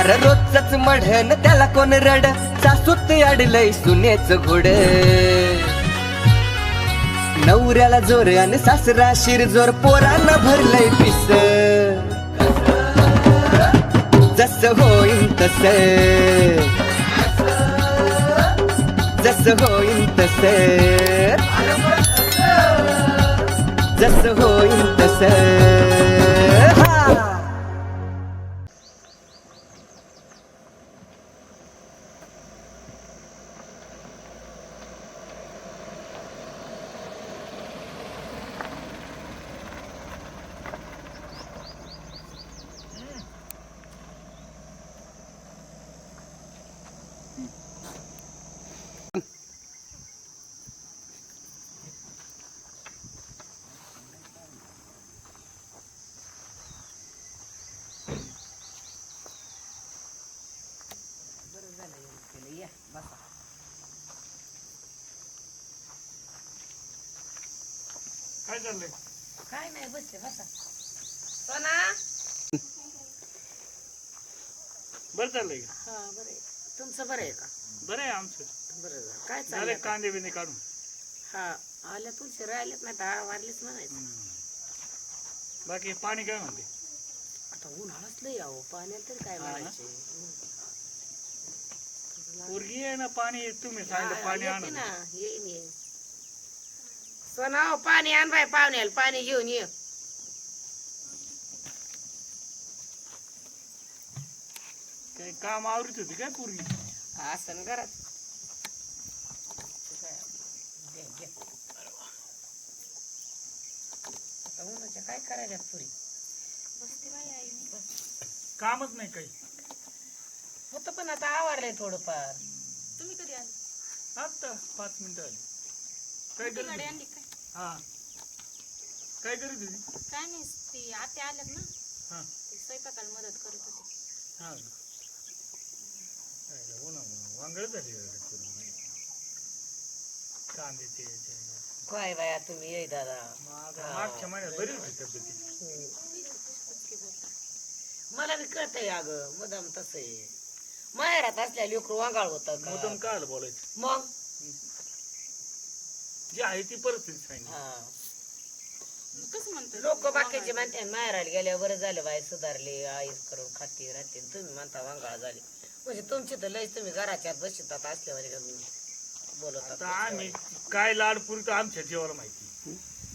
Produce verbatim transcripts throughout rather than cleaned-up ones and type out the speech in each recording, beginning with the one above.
अरे रोजच मढन त्याला कोण रड सासूत अडलय सुनेच घोड नवऱ्याला जोर आणि सासरा शिरजोर पोरांना भरलंय पिस जस होईन तस जस होईन तस जस होईन तस काय चाललंय? काय नाही बसले बसा. सोना बरं चाललंय का? हा बरं आहे. तुमचं बरं आहे का? बरं आहे आमचं. बरं झालं. काय झाले चाललंय? कांदे बिंदे काढून. हा आल्या तुळशी राहिलेत नाही तर वारलीच म्हणायचं. बाकी पाणी काय म्हणते? आता उन्हाळाच लई आहो पाण्यात तरी काय म्हणायचे. पोरगी आहे ना पाणी तुम्ही सांगितलं पाणी येते आणून. ना येईन येईन. सोना हो पाणी आण बाय पाहुण्याला पाणी घेऊन ये. काही काम आवरीत होती काय पोरगी? असं घरात उन्हाच्या काय करायच्यात पुरी कामच नाही काही. होत पण आता आवरलंय थोडंफार. तुम्ही कधी आले? आता पाच मिनिटं आली. काय ती गाडी करीत आणली काय? हा काय करीत होती? काय नाही ती आते आल्यात ना हा ती स्वयंपाकाला मदत करत होती. हा वांगळ झाली कांद्याचे काय बाया तुम्ही ये दादा. मागच्या महिन्यात बरी होती तब्येती. मला बी कळतंय अगं मुदाम तसं आहे. माहेरात असल्या लेकरू वांगाळ होत मुद्दाम काय आलं बोलायचं? मग जी आहे ती परिस्थिती सांगितली. हा कसं म्हणतो लोक बाकीचे म्हणते माहेराला गेल्यावर बरं झालं बाई सुधारले आई करून खाती राहते तुम्ही म्हणता वांगाळ झाली म्हणजे तुमची तर लय तुम्ही घराच्यात बसतात असल्यावर बोलत आता आम्ही काय लाड पुरतो आमच्या जीवाला माहिती.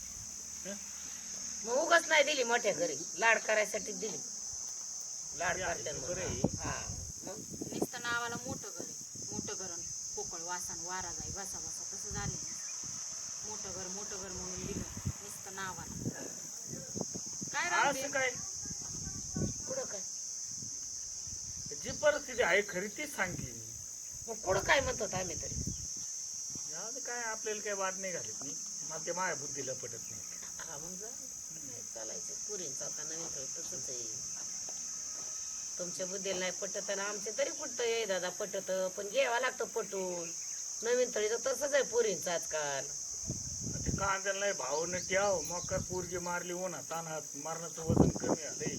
मग उगाच नाही दिली मोठ्या घरी लाड करायसाठी दिली. लाड करते हा मग नुसतं नावाला मोठं घर आहे. मोठं घर पोकळ वासान वारा जाई बसा बसा तसं झालं. मोठं घर मोठं घर म्हणून दिलं नुसतं नावाला. काय राहते असं काय कुठं काय जी परिस्थिती आहे खरी तीच सांगते. मग कुठं काय म्हणतो आम्ही तरी जाऊ दे, काय आपल्याला काय वाद नाही घालत नाही. मला ते माझ्या बुद्धीला पटत नाही. हा मग जा चालायचं पुरींचा आता नवीन थोडी तसंच आहे. तुमच्या बुद्धीला नाही पटत आणि आमचे तरी पटत ये दादा पटत पण घ्यावा लागतं पटून. नवीन थोडीचं तसंच आहे पुरींचं आजकाल. ते कांद्याला नाही भाव न ठेव मग काय पोरगी मारली उन्हा तानात मारण्याचं वजन कमी आलंय.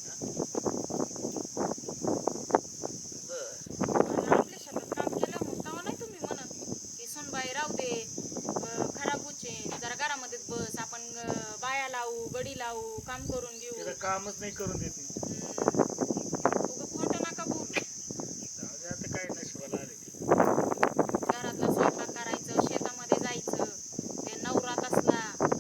आपल्या शेतात काम केलं मग तेव्हा नाही तुम्ही म्हणत की सोनबाई राहू दे खराब होचे जरा घरामध्ये बस आपण बाया लावू गडी लावू काम करून घेऊ. तिला कामच नाही करून देत. खोटं नका बोलू. जाऊ दे, आता काय नशिबाला आले. घरातला स्वयंपाक करायचं शेतामध्ये जायचं ते नवरात असला.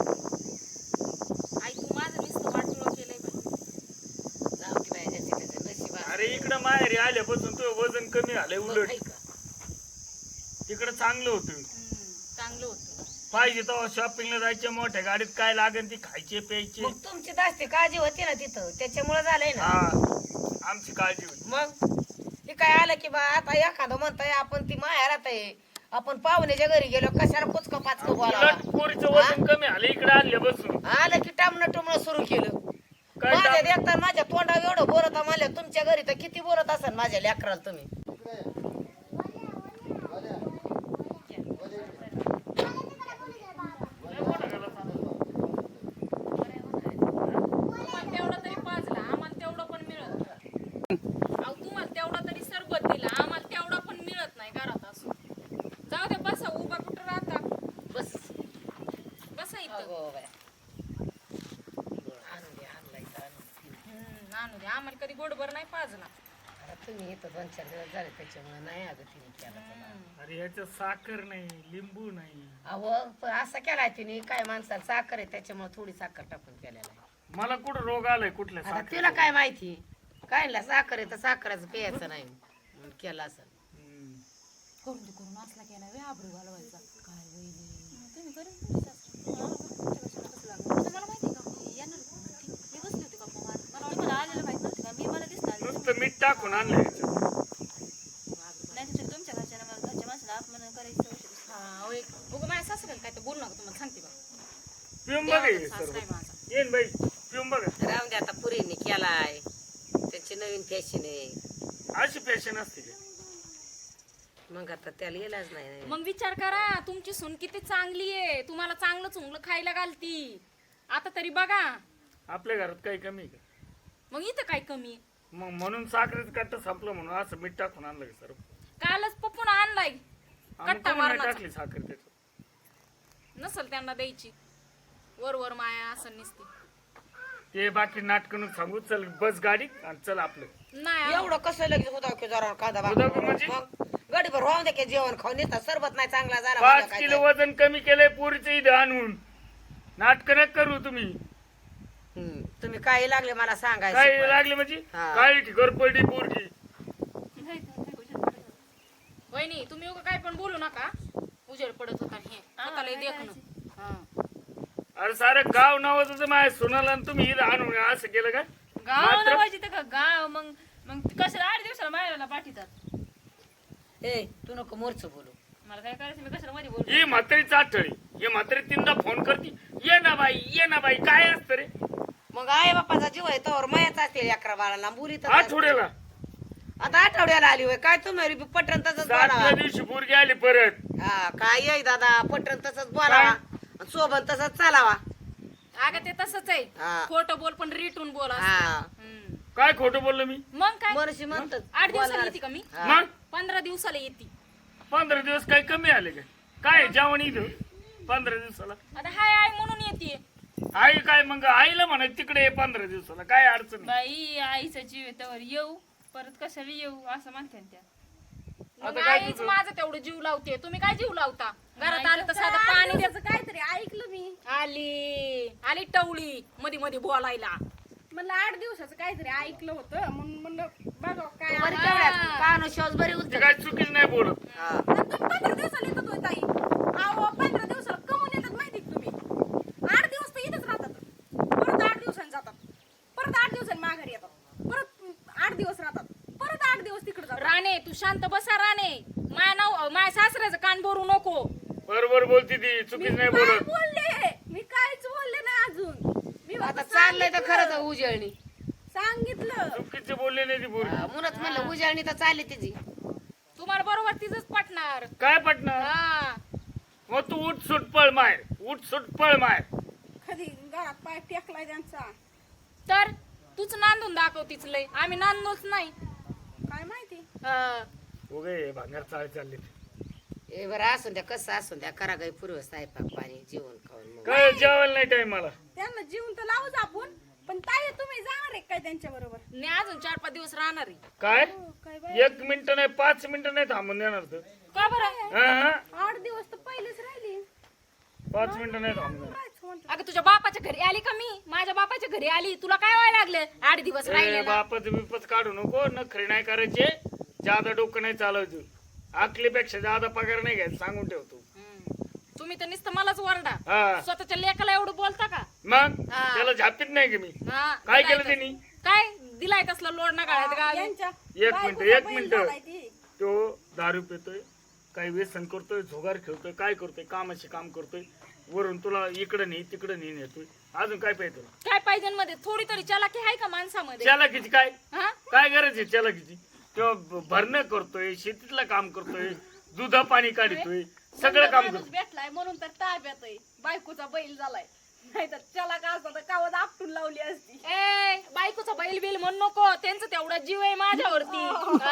आई तू माझं नुसतं वाटोळं केलंय बाई. जाऊ की बाई ज्याचे त्याचे नशीब असतं. अरे इकडं माहेरी आल्यापासून तुझं वजन कमी झालंय. मग उलट आहे का? तिकडं चांगलं होतं. हम्म, चांगलं होतं. पाहिजे तेव्हा शॉपिंगला जायचे मोठ्या गाडीत काय लागेल ती खायचे प्यायचे. मग तुमची जास्ती काळजी होती ना तिथं त्याच्यामुळे झालंय ना. हा आमची काळजी होती. मग हे काय आलं की बा आता एखादं म्हणताय आपण ती माहेरात आहे आपण पाहुण्याच्या घरी गेलो कशाला पुचक पाचक बोलावा. उलट पोरीचं वजन कमी आलं इकडे आल्यापासून. आलं की टामणं टुमणं सुरू केलं. काय माझ्या टाम- देखता माझ्या तोंडावर एवढं बोलत म्हणल्या तुमच्या घरी तर किती बोलत असाल माझ्या लेकराला तुम्ही. तुम्हाला तेवढं तरी पाजला आम्हाला तेवढं पण मिळत. अहो तुम्हाला तेवढं म्हणजे आम्हाला कधी गोडभर नाही पाजला. आता तुम्ही इथं दोन चार दिवस झाले त्याच्यामुळे नाही अगं तिने केला त्याला. अरे ह्याच्यात साखर नाही, लिंबू नाही. अहो पण असं केलाय तिने काय माणसाला साखर आहे त्याच्यामुळे थोडी साखर टाकून केलेला आहे. मला कुठं रोग आलाय कुठल्या आता साखर? तिला काय माहिती काय ना साखर आहे तर साखराचं प्यायचं नाही म्हणून केला असं. हम्म. करून ते करून असला केला वे आबरू घालवायचा. काय वहिनी तुम्ही करून मला माहिती का मी येणार होते. मी बसली होती का मग मला मला आलेलं माहित नव्हतं का मी मला दिसणार नुसतं मीठ टाकून आणलंय ह्याच्यात. नाही तुझ्या तुमच्या घरच्या घरच्या माणसाला अपमान करायचं. हा होय बघू माझ्या सासऱ्याला काय ते बोलू नका तुम्हाला सांगते बा. पिऊन बघा हे सासरा सर्व. आहे माझा. येईन बाई पिऊन बघा. राहून दे आता पुरीने केलाय त्याची नवीन फॅशन आहे अशी फॅशन असते का? मग आता त्याला येलाच नाही. मग विचार करा तुमची सून किती चांगली आहे. तुम्हाला चांगलं चुंगलं खायला घालती. आता तरी बघा आपल्या घरात काही कमी आहे का? मग इथं काय कमी. मग म्हणून साखरेचं कट्ट संपलं म्हणून असं मीठ टाकून आणलं का सर्व? कालच पप्पून आणलाय आम्ही कट्टा कोणी नाही मारण्याचा. टाकली साखर त्याच्यात. नसल त्यांना द्यायची वर वर माया असं नसती. ते बाकी नाटकं सांगू. चल बस गाडी आणि चल आपलं. नाही एवढं कसं लगेच होता की जरा कांदा होतं की म्हणजे? गडीभर व्हावं दे की जेवण खाऊन येतात सरबत नाही चांगला झाला पाच माझा काय किलो वजन कमी केलंय पोरीचं इथं आणून. नाटक न करू तुम्ही. हम्म. तुम्ही काय लागले मला सांगायचं काय पण. लागले म्हणजे हा. काय घरपडली पोरगी. वहिनी तुम्ही उगा काय पण बोलू नका. उजेड पडत होता हे स्वतःला देखणं. हा. अरे सारं गाव नावाचं होतं माझ्या सोनाला आणि तुम्ही इथं आणून असं केलं का? गाव मात्र- नावाची तर का गाव मग मग कशाला आठ दिवसाला मायला पाठीतात. ए तू नको मोरच बोलू. मला काय करायचं मी कशाला मध्ये बोलू. ही म्हातारी चाटळी. ही म्हातारी तीनदा फोन करते. ये ना बाई ये ना बाई काय असतं रे मग आई बापाचा जीव आहे तोवर मायाच असते अकरा बाळाला मुली तर आठवड्याला. आता आठवड्याला आली होय काय तुम्ही पटण तसंच सातव्या बोलावा. दिवशी पोरगी आली परत. हा काय येई दादा पटण तसंच बोलावा आणि सोबत तसंच चालावा. अगं ते तसंच आहे. हा. खोटं बोल पण रिटून बोल असं. हा हम्म. काय खोटं बोललो मी? मग काय मनुष्य म्हणतात आठ दिवसाला बोलणार. येते का मी. हा. मग पंधरा दिवसाला येते. पंधरा दिवस काय कमी आले का? काय जेवण इथं पंधरा दिवसाला? आता हाय आय म्हणून येते. आई काय मग आईला म्हणा तिकडे ये पंधरा दिवसाला काय अडचण नाही. बाई आईचा जीव आहे त्यावर येऊ परत कशाला येऊ असं म्हणतात त्या. मग आता काय आईच तुझं? माझं तेवढं जीव लावते. तुम्ही काय जीव लावता? घरात आलं तर साधं पाणी द्यायचं. काहीतरी ऐकलं मी आली आली टवळी मध्ये मध्ये बोलायला. म्हणलं आठ दिवसाचं काहीतरी ऐकलं होतं म्हणून म्हणलं बघा काय बरी तेवढ्यात कानो शोज बरी ते उलट काय चुकीच नाही बोलत. हा. पंधरा दिवसाला येतात होय ताई. अहो पंधरा दिवसाला कमून येतात माहिती का तुम्ही. आठ दिवस तर इथंच राहतात. परत आठ दिवसांनी जातात. परत आठ दिवसांनी माघारी येतात. परत आठ दिवस राहतात. परत आठ दिवस तिकडे जातात. राणे तू शांत बसा राणे. माया नाव माया सासऱ्याचं कान भरू नको. बरोबर बोलती ती चुकीच नाही काय बोलत. बोलले मी काहीच बोलले नाही अजून. मी आता फक्त चाललंय तर खरंच सांगितलं. उजळणी सांगितलं चुकीचे बोलले नाही ती पोरगी. म्हणत म्हणलं उजळणी तर चालली तिची. तुम्हाला बरोबर तिचंच पटणार. काय पटणार? हा मग तू उठ सुट पळ माय. उठ सुट पळ माय. कधी घरात पाय टेकलाय त्यांचा तर तूच नांदून दाखव तिच लय. आम्ही नांदलोच नाही. काय माहिती. हा. उगे भांगार चाळ चालली. ए बरं असून द्या कसं असून द्या करा गाई पूर्व स्वयंपाक पाणी जेवण खाऊन मग. काय जेवायला नाही टाइम मला. त्यांना जीवन तर लावूच आपण पण ताई तुम्ही जाणार आहे काय त्यांच्या बरोबर. मी अजून चार पाच दिवस राहणार आहे. काय काय बाई एक मिनिट नाही पाच मिनिटं नाही थांबून देणार तर. का बरं? हा, हा. आठ दिवस तर पहिलेच राहिली. पाच मिनिटं नाही थांबून देणार. कायच म्हणतो. अगं तुझ्या बापाच्या घरी आली का मी. माझ्या बापाच्या घरी आली. तुला काय व्हायला लागलं आठ दिवस ए, राहिले. बापाचं बिपच काढू नको. नखरे नाही करायचे. जादा डोकं नाही चालवायचं. आकलीपेक्षा जादा पगार नाही घ्यायचा सांगून ठेवतो. तुम्ही तर नुसतं मलाच वरडा. हा स्वतःच्या लेकाला एवढं बोलता का. मग हा. त्याला झापीत नाही की मी. हा, काय दिलाय केलं तस- त्यांनी? काय दिलाय तसला लोड ना गाळ्यात गावी. यांच्या एक बायकोचा मिनिट एक बैल मिनिट झालाय ती. तो दारू पितोय काही व्यसन करतोय झोगार खेळतोय काय करतोय कामाचे काम करतोय वरून तुला इकडं नाही तिकडं नाही नेतोय अजून काय पाहिजे तुला काय पाहिजे मध्ये थोडी तरी चलाकी आहे का माणसामध्ये. चालाकीची काय हा काय गरज आहे चालाकीची तो भरणं करतोय शेतीतलं काम करतोय दुधा पाणी काढतोय सगळं काम माणूस करतोय. भेटलाय म्हणून तर ताब्यात आहे. बायकोचा बैल झालाय नाही तर त्याला का असतं तर कावत आपटून लावली असती. ए बायकोचा बैल बिल म्हणू नको. त्यांचं तेवढा जीव आहे माझ्यावरती.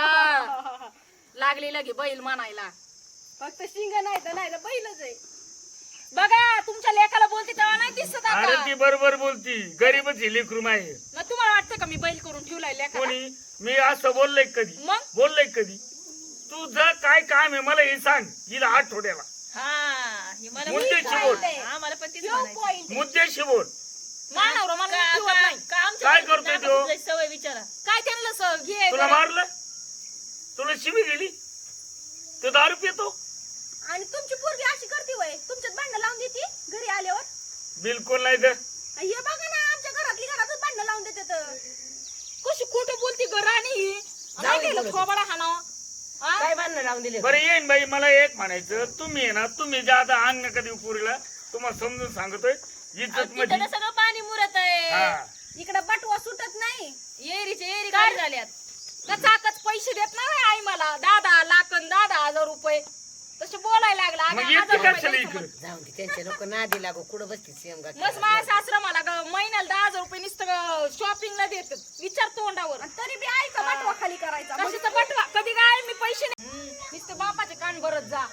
हा. लागली लगे बैल म्हणायला. फक्त शिंग नाही तर नाही तर बैलच आहे. बघा तुमच्या लेखाला बोलते तेव्हा नाही दिसत अरे आता ती बरोबर बोलती गरीबच ही लेकरू आहे मग तुम्हाला वाटतं का मी बैल करून ठेवलाय लेखाला कोणी मी असं बोललोय कधी मग? बोललोय कधी तुझं काय काम आहे मला हे सांग हिला आठवड्याला हा हे मला मुद्द्याशी बोल आम्हाला पण तीच यो म्हणायचं. point आहे. मुद्द्याशी बोल मानावर मला का- ठेवत का- नाही का आमच्या काय घरी करतोय नाका तो? फुटल्याची सवय विचारा काय त्यांना स- घे तुला जरा. मारलं तुला शिवी दिली तो दारू पितो आणि तुमची पोरगी अशी करते वय तुमच्यात भांडण लावून देते घरी आल्यावर बिलकुल नाही तर हे बघा ना आमच्या घरातली घरातच भांडण लावून देते तर कशी खोटं बोलती ग राणी काय दे केलं बोलत. थोबाडा हाणावं? हा? काय बांधणं लावून दिले बरं येईन बाई मला एक म्हणायचं तुम्ही आहे ना तुम्ही जे आता अंग कधी पुरीला तुम्हाला समजून सांगतोय इज्जत मध्ये तिथं सगळं पाणी मुरत आहे हा इकडे बटवा सुटत नाही एरीचे एरी काय? खाली झाल्यात कचाकच पैसे देत नाही आई मला दादा लाखन दादा हजार रुपये तसे बोलायला लागला मग अगं, येते हजार रुपये कशाला द्यायचं इकडे जाऊन दे त्यांच्या नको नादी लागो कुठं बसती सीएम मग माझ्या सासरा मला ग महिन्याला दहा हजार रुपये नुसतं शॉपिंगला देत विचार तोंडावर तरी बी आईचा बटवा खाली करायचा कशाचा बटवा कधी काय मी पैसे नाही नुसतं बापाचे कान भरत जा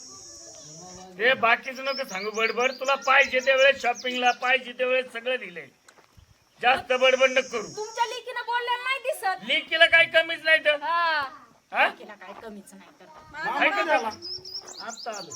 हे बाकीचं नको सांगू बडबड तुला पाहिजे त्या वेळेस शॉपिंगला पाहिजे त्या वेळेस सगळं दिलंय जास्त बडबड नको करू तुमच्या लेकीनं बोललेलं नाही दिसत लेकीला काही कमीच नाही तर हा हा? तिला काय कमीच नाही करत आहे का त्याला? आता आलो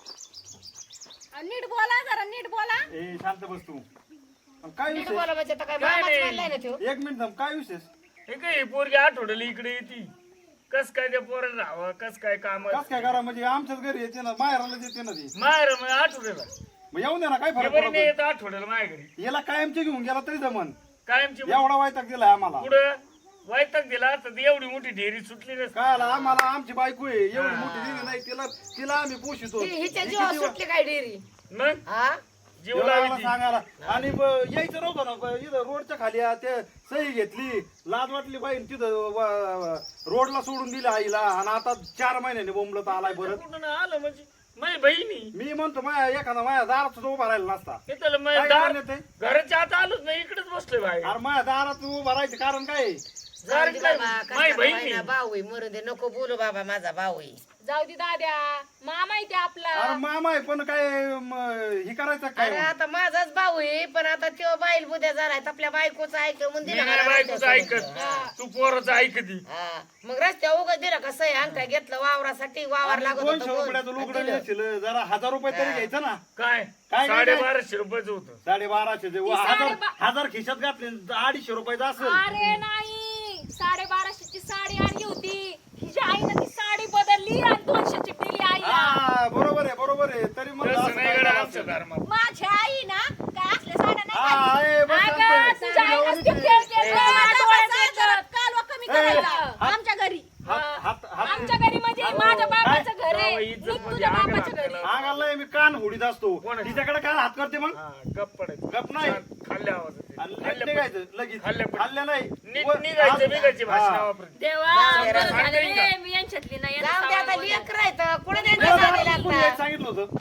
आणि नीट बोला जरा नीट बोला ए शांत बस तू अन काय नीट विशेष बोला म्हणजे आता काय काय मामाच नाही. मानलाय ना त्यो एक मिनिट थांब काय विशेष हे काय पोरगी आठवड्याला इकडे येते कस काय त्या पोराला राहावं कस काय काम कस काय करा म्हणजे आमच्याच घरी येते ना बाहेरला येते ना ती माहेर मग आठवड्याला मग येऊन दे ना काय हे फरक बरी नाही पडतो येत आठवड्याला माझ्या घरी याला कायमचे घेऊन गेला तरी जमन कायमची एवढा वैताग दिलाय आम्हाला पुढं वैताग दिला तर एवढी मोठी ढेरी सुटली नसती काय आला आम्हाला आमची बायको आहे एवढी मोठी दिली नाही तिला तिला आम्ही पोषितो ती हिच्या ही जीवा किती वा- सुटली काय डेअरी मग हा जीव एवढं आम्हाला लावी ती. सांगायला आणि ब- यायचं नव्हतं ना ब- इथं रोडच्या खाली आ, ते सही घेतली लाज वाटली बाई तिथं व- व- रोडला सोडून दिलं आईला आणि आता चार महिन्याने बोंबलत आलाय परत कुठून आलं म्हणजे माझी बहिणी मी म्हणतो माझ्या एखादा माझ्या दारात उभा राहिला नसता हे त्याला काय माझ्या दार करण्यात आहे? घराच्या आत आलोच नाही इकडेच बसलोय बाहेर अरे माझ्या दारात उभा राहायचं कारण काय आहे? जाऊ दे काय- बाबा माई कष्टाचा बहिणी. महिना भाऊ आहे मरू दे नको बोलू बाबा माझा भाऊ आहे जाऊ दे दाद्या मामा आहे ते आपला अरे मामा आहे पण काय म, हे करायचं अरे काय आता माझाच भाऊ आहे पण आता त्यो बाईल बुद्या झालाय आपल्या बायकोचं ऐक म्हणून मी दिलं नाही मला बायकोचं रस्त्यासमोर. ऐकत तू पोराचं ऐकती हा. मग रस्त्या उगा दिलं कसं आहे अंगठा घेतलं वावरासाठी वावर आणि लागत दोनशे होतं रुपयाचं बोल. लुगडं दिलं. नेशील, जरा हजार रुपये तरी घ्यायचं ना काय काय- काय- साडेबाराशे रुपयाचं होतं साडेबाराशे ते ती हजार साडेबा- हजार खिशात घातले अडीचशे रुपयाचं असेल अरे नाही साडेबाराशेची साडी आणली होती हिच्या आईनं ती साडी बदलली आणि दोनशेची दिली आईला हा बरोबर आहे बरोबर आहे तरी मग तसं असं नाही काय गड्या करायचं? आमच्या धर्मात माझ्या आई ना काय असल्या साड्या नाही हा, घालत. आहे, बस अगं, शांत. तुझ्या आईनं एवढीच ती आहे. खेळ खेळ ए, खेळ डोळ्यात येतं. कालवा कमी करायचा आमच्या घरी हात- हात- हात- आमच्या घरी म्हणजे माझ्या बाबाचं घर आहे जावई मी इज्जत तुझ्या मध्ये आग बाबाच्या घरी लागते. अंगाला मी कान हुडीत असतो कोणाची? तिच्याकडे काय हात करते मग हा, गप पडायचं गप नाही. छान खाल्ल्या आवाज येते. आणि नीट खाल्ल्या निघायचं लगेच खाल्ल्या पण- खाल्ल्या नाही नीट व- निघायचं हा. बिघायची भाषा हा. वापरायची. देवा जाऊ दे, बरं राहू झालं दे. रे, मी यांच्यातली नाही यांना जाऊ दे आता सावळा लेकर राहतं कुठे नाही, त्यांच्या नाही, जावे कोणी यायला लागतात सांगितलं होतं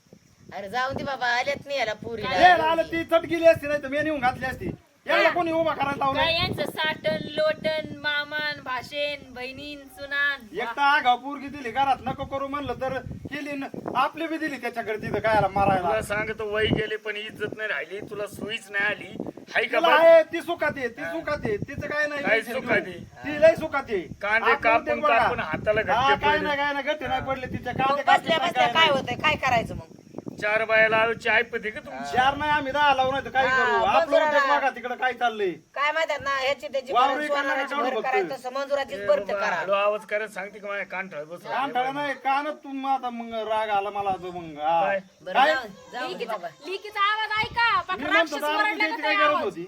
अरे जाऊ दे बाबा आल्यात नाही याला ये, पुरीला आलं ती चट गेली असती नाही तर मी नेऊन घातली असती याला कोणी उभा करायला काय लावलं यांचं साटन लोटन मामान भाषेन बहिणीन सुनान एकटा आगाव पोरगी दिली घरात नको करू म्हणलं तर केली न- आपली बी दिली त्याच्याकडे तिथं कायला मारायला तुला सांगतो वय गेले पण इज्जत नाही राहिली तुला सुईच नाही आली हाय का तिला बघ? आहे ती सुखात आहे ती सुखात आहे तिचं काय नाही काय टेन्शन सुखात घेऊ. आहे? ती लय सुखात आहे कांदे आपलं कापून उद्योग बघा. कापून हाताला हा, घट्टे काय पडले. नाही काय नाही गट्टे नाही पडले तिच्या मग कांदे बसल्या कापून बसल्या काय काय नाही. होतंय काय करायचं मग चार बायाला आयोची ऐपते का तुमची चार नाही आम्ही दहा लावून नाही तर काय हा, करू आपलं मजुराला- उद्योग बघा तिकडे काय चाललंय काय माहिती ना ह्याची त्याची वावरी भर, करायला सोनाराची काढू भर बघतोय. करायचं तसं मंजुराचीच भरत करा हळू आवाज करत सांगते की माझ्या कान ठळ बस कान ठळा नाही कानच तुम आता मग राग आला मला तो मग हा. काय? बरं काय? जाऊ- जाऊ दे बाबा लिकीचा आवाज ऐका मी पाक म्हणतो राक्षस दारू वरडला पिण्याची का काय काय गरज आवाज होती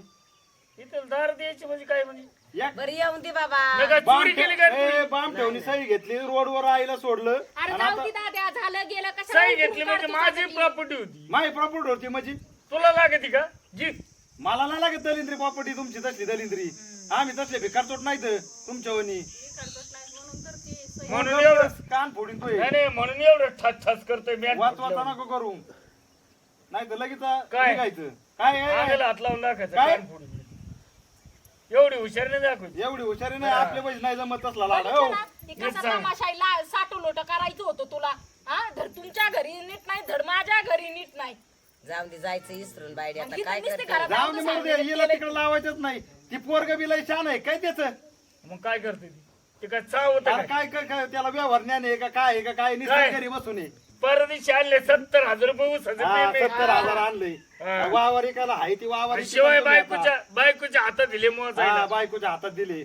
इथं दार द्यायची म्हणजे काय म्हणजे एक बरं येऊन दे बाबा मी काय बाम चोरी केली काय ठेव- ए, बाम ठेवणी सही घेतली रोडवर आईला सोडलं अरे आणि जाऊ आता दे दाद्या झालं गेलं कशाला सही उठून घेतली म्हणजे काढतो माझी सगळी? प्रॉपर्टी होती माझी प्रॉपर्टी होती म्हणजे तुला लागते का जी मला नाही लागत दलिंद्री प्रॉपर्टी तुमची तसली दलिंद्री आम्ही तसले भिकारचोट नाहीत तुमच्या वनी म्हणून एवढं कान फोडीन तो नाही नाही, म्हणून एवढं ठस ठस करतोय मी वाच वाचा नको करू नाही तर लगेच काय? निघायचं काय काय- आगेला हात लावून दाखायचं काय? कान फोडून एवढी हुशार नाही दाखवली एवढी हुशारी नाही आपल्या पैसे नाही जमत तसला लाड हो बघितलं ना? ते कसा तमाशा ला- साठू लोट करायचं होतं तुला हा धड तुमच्या घरी नीट नाही धड माझ्या घरी नीट नाही जाऊन दे जायचं इसरून बायडी आता आणि काय इथं नुसते करते घरात जाऊन दे म्हणू दे हिला तिकडे लावायचंच नाही ती पोरग बिलाई छान आहे काय त्याचं मग काय करते ती ते काय चाव होतं अरे काय काय काय काय त्याला व्यवहार ज्ञान आहे का काय आहे का काय काय? निसर्ग घरी बसून आहे परदेशी आणले सत्तर हजार रुपये ऊस हा, सत्तर हजार आणले हा. वावर एकाला आहे ती वावर शिवाय बायकोच्या बायकोच्या हातात दिले मग हा, बायकोच्या हातात दिले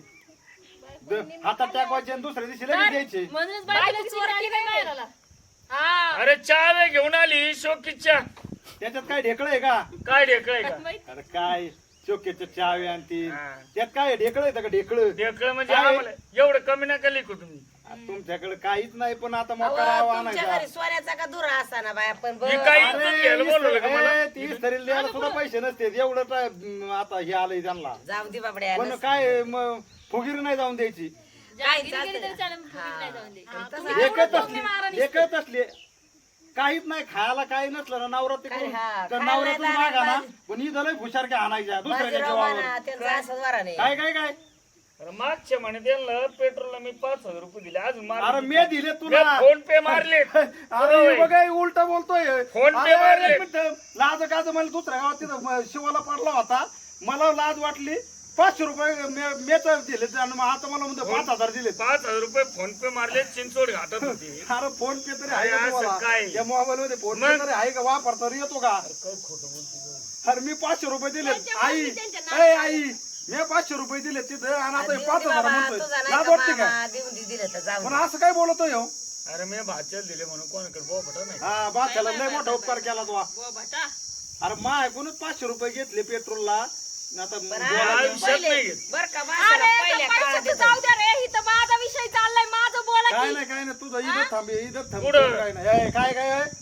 द- हातात टाकवायचे आणि दुसऱ्या दिवशी लगेच द्यायचे म्हणूनच बायकोची बायकोला चोरी चोरी नाही नाही करायला. मारायला. हा अरे चहा घेऊन आली शोकीच्या त्याच्यात काय ढेकळ आहे का काय ढेकळय का अरे काय चोक्याच्या चावे आणि ती हा. त्यात काय ढेकळ आहे का ढेकळ ढेकळ म्हणजे काय? आम्हाला एवढं कमी नका लिखू तुम्ही तुमच्याकडे काहीच नाही पण आता अहो, मोका राव तुमच्या आणायचा घरी सोन्याचा का दुरा असा ना बाया पण ही बरं. काय अरे, इज्जत घ्यायला बोलवलं का मला? ए, ती तरी द्यायला सुद्धा पैसे नसते एवढं तर, म, आता हे आलंय त्यांना जाऊ दे बाबड्या पण काय म, फुगीर नाही जाऊन द्यायची काय गिरी गेली तरी चालेल, फुगीर नाही जाऊन दे. चालतं एकच असली एकच असली काहीच नाही खायला काही नसलं ना नवरात्री काय करून हा, तर खायला नवरात्री नाही मागा ना लागलं. पण ही झालंय हुशारक्या आणायच्या दुसऱ्याच्या जेवावर त्यांचा असं द्वारा नाही काय काय काय अरे मागच्या म्हणे त्यांना पेट्रोलला मी पाच हजार रुपये दिले अजून अरे मार मी दिले तुला फोन पे मारले अरे बघा उलट बोलतोय फोन पे अरे, मारले. एक मिनिट. लाज काज मला दुसऱ्या गावात तिथं म, शिवाला पडला होता मला लाज वाटली पाचशे रुपये मे- मेच दिले आणि मग आता मला म्हणतो पाच हजार दिले पाच हजार रुपये फोन पे मारले चिंचोड घाटत होती अरे फोन पे तरी आहे का अरे, असं तुम्हाला? काय? या मोबाईल मध्ये फोन पे मग? तरी आहे का वापरता रे येतो का काय खोटं बोलते अरे मी पाचशे रुपये दिले त्यांच्या आई मागे त्यांच्या ए आई मी पाचशे रुपये दिले तिथं आणि आता हे देऊन पाच दे हजार बाबा, म्हणतोय तुझा नाही लाज का वाटते का मामा, देऊन दे दिलं तर जाऊ पण दे. असं काय बोलतोय हो अरे मी भाच्याला दिले म्हणून कोणाकडे बोपटा नाही हा बाच्याला लय मोठा उपकार केला तो बुवा भटा. अरे मा ऐकूनच पाचशे रुपये घेतले पेट्रोलला आता पण बोलायचं. आधी आयुष्यात पहिले- नाही घेत. बरं का अरे माणसाला त्या पहिल्या काळात पैशाचं जाऊ द्या रे इथं माझा विषय चाललाय माझं बोला काय की नाही काय नाही तुझं इथं थांबे इथं थांब पुढं. काय नाही ए, काय काय आहे?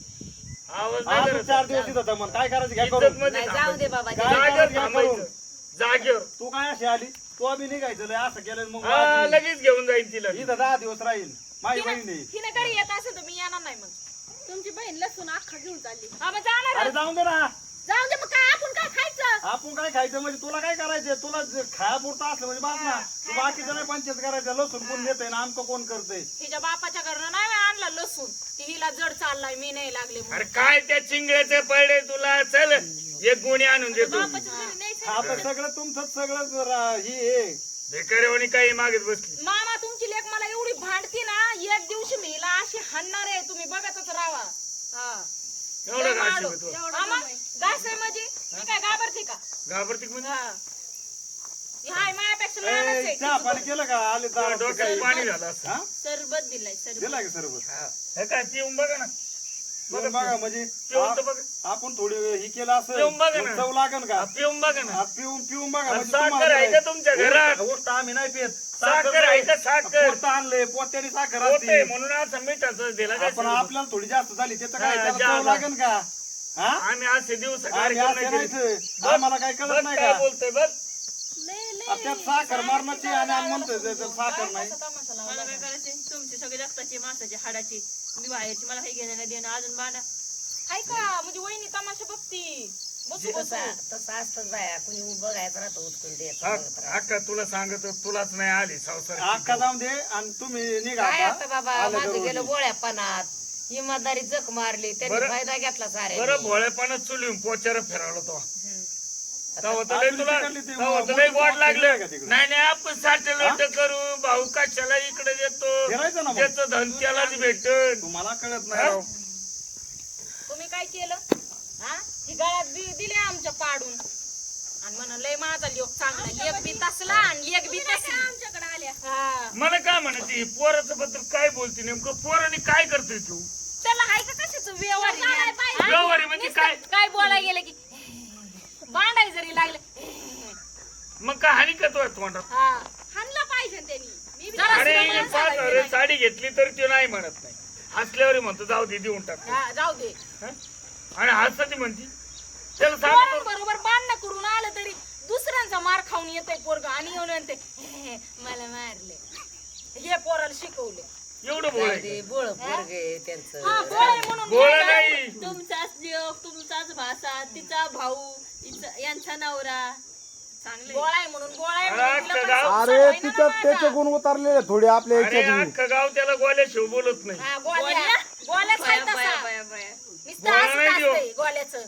आवाज हा, नाही तू करत. चार दिवस इथं थांब काय करायचं घ्या इज्जत करून मध्ये नाही जाऊ दे बाबा काय जागेवर करायचं घ्या थांबायचं करून. जागेवर तू काय अशी आली तू आम्ही निघायचं लय असं केलं मग हा वाजवी. लगेच घेऊन जाईल तिला इथं दहा दिवस राहील माझी बहीण आहे तिने घरी येत असेल तर मी येणार नाही मग तुमची बहीण लसूण अख्खा घेऊन चालली. हा मग जाणार अरे जाऊन दे ना जाऊ दे मग काय आपण काय खायचं आपण काय खायचं म्हणजे तुला काय करायचं तुला खायापुरतं असलं म्हणजे बास ना तू बाकीचं नाही पंचायत करायचं लसूण कोण देतंय ना आमचं कोण करतंय हिच्या बापाच्या घरनं नाही मी आणलं लसूण ती हिला जड चाललाय मी नाही लागले म्हणून. अरे काय त्या चिंगळ्याचे पडले तुला चल एक गुणी आणून देतो बापाच्या घरी नाहीच आहे. आता सगळं तुमचं सगळं जरा ही आहे भिकाऱ्यावानी काही मागत बसली मामा तुमची लेख मला एवढी भांडती ना एक दिवशी मी हिला अशी हाणणार आहे तुम्ही बघतच राहा हा एवढं घाशी तू मामा घास आहे म्हणजे मी काय घाबरते का घाबरती म्हणजे हा ही हाय मायापेक्षा लहानच ए, आहे चहा पाणी केलं का आले तुला दारात डोक्यात काही? पाणी झालं असं हा? सरबत दिलाय सरबत. दिला का सरबत हे काय पिऊन बघा ना बरं बघा म्हणजे पिऊन तर बघा आ- आपण थोडी ही केलं असं पिऊन बघा ना. चव लागन का हा, पिऊन बघा ना हा, पिऊन पिऊन बघा आणि म्हणजे साखर तुम्हाला आहे का तुमच्या घरात? गोष्ट आम्ही नाही पित साखर आहे का साखर? पोतं आणलंय पोत्याने साखर होते असते म्हणून असं मिठाचं दिला काय आपण आपल्याला थोडी जास्त झाली त्याचं काय हा, त्याला जादा. चव लागन का हा आम्ही असे दिवस आम्ही असं नाहीच आम्हाला काय कळत नाही काय का बोलतोय बघ आ, त्यात साखर मारण्याची आणि आम्ही म्हणतोय त्याच्यात साखर नाही मला काय करायचे तुमची सगळी रक्ताची मासाची हाडाची मी बाहेरची मला काही घेणं नाही देणं अजून बांधा. ऐका म्हणजे वहिनी तमाशा बघती बसू बसू तसं तसं असतंच बाया कुणी बघायचं राहतं उचकून द्यायचं हा, बघत राहतं. अक्का तुला सांगतो तुलाच नाही आली संसार अख्खा जाऊन दे आणि तुम्ही निघा काय आता आता बाबा आलं माझं घरून. गेलं गोळ्या पानात इमानदारी जख मारली त्यांनी बरं. फायदा घेतला सारे बरं भोळेपणा चुलीहून पोचार फिरावला तो तेव्हा तर लय आपली तुला तिकडली ती तेव्हा तर मोठी लय वाट मोठी लागलं आहे का तिकडे? नाही नाही आपण सॅटेलाइट करू भाऊ कशाला इकडे देतो फिरायचं ना मग. त्याचं धन त्यालाच भेटन तुम्हाला कळत नाही राव. तुम्ही काय केलं हा ही गळ्यात बी दिले आमच्या पाडून आणि म्हणून लय माझा लोक चांगला एक बी तसला आणि एक बी तसली आमच्याकडे आल्या हा मला काय म्हणायची पोराचं बद्दल काय बोलते नेमकं पोराने काय करतोय तू त्याला हाय का कशाच व्यवहार हा? व्यवहारी म्हणजे काय काय बोलायला गेलं की भांडाय जरी लागले मग काय हानी का तो तोंडात हा हाणलं पाहिजे त्यांनी मी बी अरे जरा सुद्धा मला पाच सांगायचं हजार नाही. साडी घेतली तर ती नाही म्हणत नाही हसल्यावर म्हणतो जाऊ दे देऊन टाक हा, जाऊ दे हं? आणि हसती म्हणती त्याला सांग बरोबर भांडणं करून आलं तरी दुसऱ्यांचा मार खाऊन येतय पोरग आणि येऊन म्हणते "हे, मला मारले हे पोराला शिकवले एवढं बोलाय ते बोळ पोरग आहे त्यांचं हा बोळ आहे म्हणून बोला नाही तुमचाच जीव तुमचाच भासा तिचा भाऊ तिचा यांचा नवरा चांगले बोळ आहे म्हणून बोळ आहे अरे, म्हणून तिला पण गाव- संसार अरे होईना ना तिच्यात माझा. त्याचे गुण उतारलेले थोडे आपल्या अरे याच्यात अख्खं गाव त्याला गोल्या शिव बोलत नाही हा, गोळ्या. गोल्याच आहे बाया, बाया, तसा. बाया, बाया. नुसतं गोळा हसत नाही देऊ. असतंय गोल्याचं.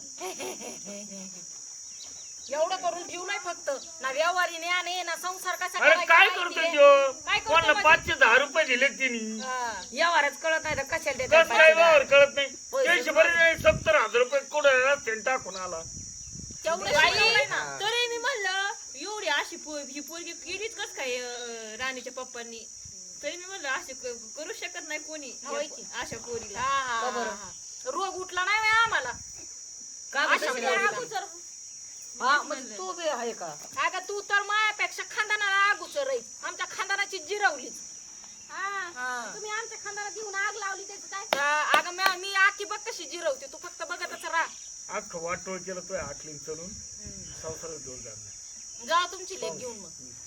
एवढं करून ठेवलंय फक्त ना व्यवहारी नाही आणि ना संसार कसा अरे करायचा काय माहिती करतोय आहे. त्यो काय करतो कोणाला म्हणजे? पाचशे दहा रुपये दिले तिने हा. व्यवहारच कळत नाही तर कशाला देतात कस काय व्यवहार कळत नाही पैसे त्यांचे बरे सत्तर हजार रुपये कुठे रस्त्याने टाकून आला तेवढं बाई, शिकवलंय ना. तरी मी म्हणलं एवढी अशी पो- ही पोरगी केलीच कस काय अं, राणीच्या पप्पांनी तरी मी म्हणलं अशी क- करू शकत नाही कोणी होय की. अशा पोरीला हा, हा, का बरं? हा. रोग उठला नाही व्हय आम्हाला का अशा कशाला पोरीला. एवढी अगोदर हा म्हणजे तू बी आहे का अगं तू तर मायापेक्षा खानदानाला अगोदर राहील आमच्या खानदानाची जिरवलीच हा. तुम्ही आमच्या खांद्याला देऊन आग लावली त्याचं काय हा, अगं मी- मी आखी बघ कशी जिरवते तू फक्त बघतच राहा अख्खं वाटोळ केलं तो आखलीन चढून संसारात घेऊन जाणार जा तुमची लेख घेऊन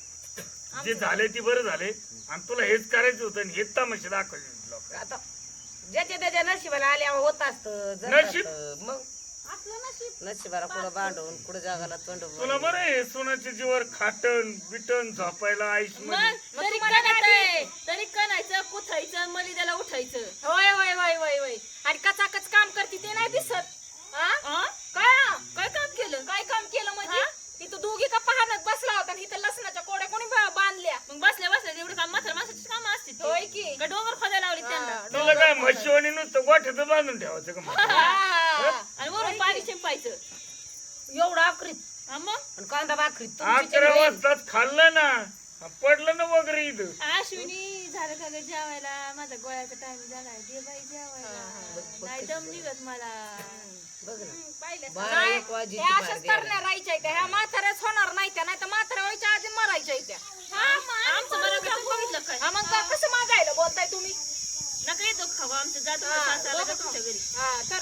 मग जे झाले ते बरं झाले आणि तुला हेच करायचं होतं आणि हेच तमाशे दाखवायचे लोक आता ज्याच्या त्याच्या नशिबाला आल्यावर होत असतं नशीब? मग असलं नशीब नशिबाला कुठं भांडून कुठं जगाला तोंड तुला बरं आहे सोनाच्या जीवर खाटण बिटन झोपायला आईश मग मध्ये तरी कणायचं तरी कणायचं कुथायचं मलिदाला उठायचं होय होय होय होय होय आणि कचाकच काम करते ते नाही दिसत हा? आ? काय काय काम केलं काय काम केलं म्हणजे इथं दोघी का पाहण्यात बसला होता आणि इथं लसणाच्या कोड्या कोणी बा- बांधल्या मग बसल्या बसल्या एवढं काम म्हातार माणसाची काम असते होय की का डोंगर खोदायला लावली त्यांना हा, तुला काय म्हशीवाणी नुसतं गोठ्यात बांधून ठेवायचं का म्हशी? हा. आणि वरून पाणी शिंपायचं एवढं आकरीत हा मग आणि कांदा भाकरीत अकरा वाजताच खाल्लं ना पडलं ना वगैरे इथं अश्विनी झालं का ग जेवायला माझा गोळ्याचा टाइम झाला दे बाई जेवायला नाही दम निघत मला बघ ना पाहिलं बारा नाही, एक वाजेची ह्या पार अशाच द्यायला. करण्या राहायच्या त्या ह्या म्हाताऱ्याच होणार नाही त्या नाही तर म्हाताऱ्या व्हायच्या आधी मरायच्या त्या आमचं बरं का तू बघितलं काय हा, मग का- कसं मागायला बोलताय तुम्ही नका येतो खावा आमचं जातो हा, सासऱ्याला का दोघं तुमच्या घरी हा तर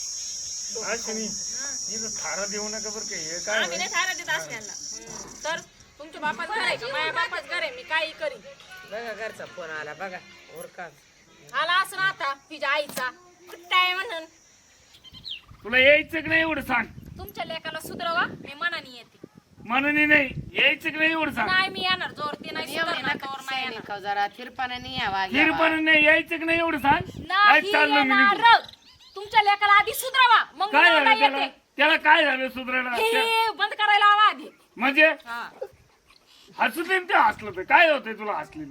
अश्विनी इथं थारा देऊ नका बरं का हे काय आम्ही नाही थारा देत असल्याला तर तुमच्या बापाच घर आहे का माझ्या बापाच घर आहे मी काही करीन बघा घरचा फोन आला बघा उरका आला असं ना आता तिच्या आईचा कुठं आहे म्हणून तुला यायचं की नाही एवढं सांग तुमच्या लेकाला सुधरवा मी मनाने येते मनाने नाही यायचं की नाही एवढं सांग नाही मी येणार जोर ते नाही सुधारणार, तोवर नाही येणार. खाऊ जरा थिरपानाने यावा हिरपण नाही यायचं की नाही एवढं सांग काय नाही चाललं मी निघून? येणार. तुमच्या लेकाला आधी सुधरावा मग मी काय नवरा झालं त्याला येते. त्याला काय झालं सुधारायला त्या- हे बंद करायला हवा आधी म्हणजे हा. हसू दे न ते हसलं तर काय होतंय तुला हसली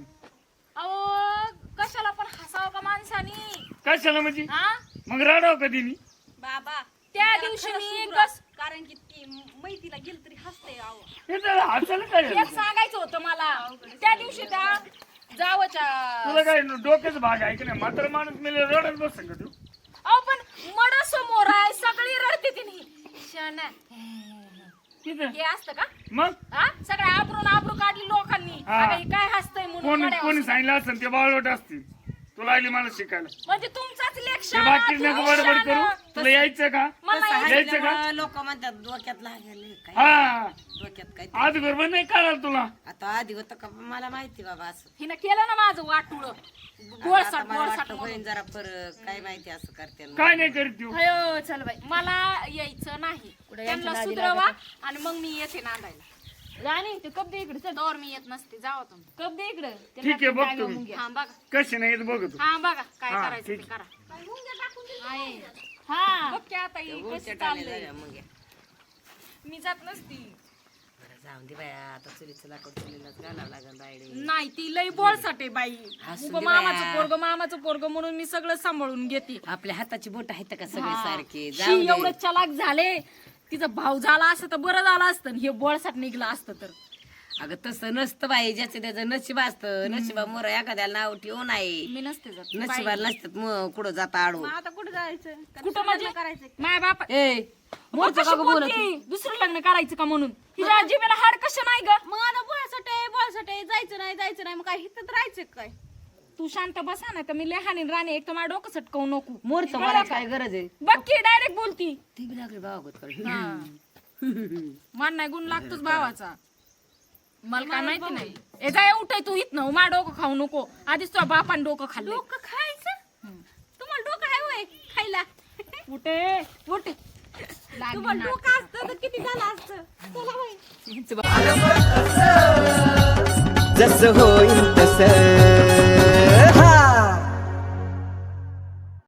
अहो कशाला पण हसावं का माणसानी कशाला म्हणजे हा मग रडाव कधी मी बाबा त्या त्याला दिवशी खरं मी सुधरा. कस कारण की ती मैतीला गेली तरी हसते आहो हे त्याला हसायला काय एक झालं सांगायचं होतं मला त्या दिवशी त्या जावच्या तुला काय डोक्याचा भाग आहे की नाही मात्र माणूस मेले रडत बस का तू अहो पण मड समोर आहे सगळी रडते तिने शाना तिथं हे असतं का मग हा सगळ्या आबरून आबरू काढली लोकांनी हा. अगं, हे काय हसतंय म्हणून कोणी कड्यावर. कोणी सांगितलं असेल ते बाळवट असतील तुला आली मला शिकायला म्हणजे तुमचाच ते लेक्चर बाकी नको बडबड करू तुला यायचं का यायचं का लोक म्हणतात डोक्यात लागले काय हा डोक्यात काय आज बरोबर नाही कळाल तुला आता आधी होतं का मला माहिती बाबा असं हिनं केलं ना माझं वाटुळ आता गोळसाट मला गोळसाट वाटतं म्हणून. होईन जरा फरक काय माहिती असं करते ना. काय नाही करीत तू अयो चल बाई मला यायचं नाही त्यांना सुधरवा आणि मग मी येते नांदायला राणी ते कप दे इकडे चल तोवर मी येत नसते जावा तुम्ही कप दे इकडे ठीक आहे बघतो मी हा बघा कशी नाही येत बघतो हा बघा काय हा, करायचं ते ठीक. करा आहे. हा बघ की आता ही उलट्या कशी टाळल्या चाललंय झाल्या मग या. मी जात नसती बरं, जाऊन दे बाया आता चुलीचं लाकूड चुलीलाच घालावं लागेल बायडे नाही ती लई बोळसाटे बाई हसू उभं दे मामाचं बाया. पोरग मामाचं पोरग म्हणून मी सगळं सांभाळून घेते आपल्या हाताची बोट आहेत का सगळे हा. सारखे शी, जाऊ एवढं दे चलाक झाले तिचा भाव झाला असतं तर बरं झालं असतं आणि हे बोळसाट निघलं असतं तर अगं तसं नसतं बाई ज्याचं त्याचं नशीब असतं नशिबा मोर एखाद्याला नाव ठेवू नाही मी नसते जात नशिबाला नसतात मग कुठं जाता आडू आता कुठं जायचं कुठं म्हणजे करायचं माय बाप ए मोरचं का गं बोलत दुसरं लग्न करायचं का म्हणून तिच्या जीवेला हाड कसं नाही ग मग आता बोळासाठी बोळासाठी जायचं नाही जायचं नाही मग काय हिथं राहायचं काय तू शांत बसा ना तर मी लहानी राणे एक तर माझं डोकं सटकवू नको मोरचं मला काय गरज आहे बघ की डायरेक्ट बोलती ती बी लागली बाबा मान नाही गुण लागतोच भावाचा मला काय माहिती नाही ए जाय उठाय तू इथनं मा डोकं खाऊ नको आधीच तुझ्या बापान डोकं खाल्लं डोकं खायचं तुम्हाला डोकं आहे होय खायला उठे उठे तुम्हाला डोकं असतं तर किती झालं असतं चला होय जसं होईल तसं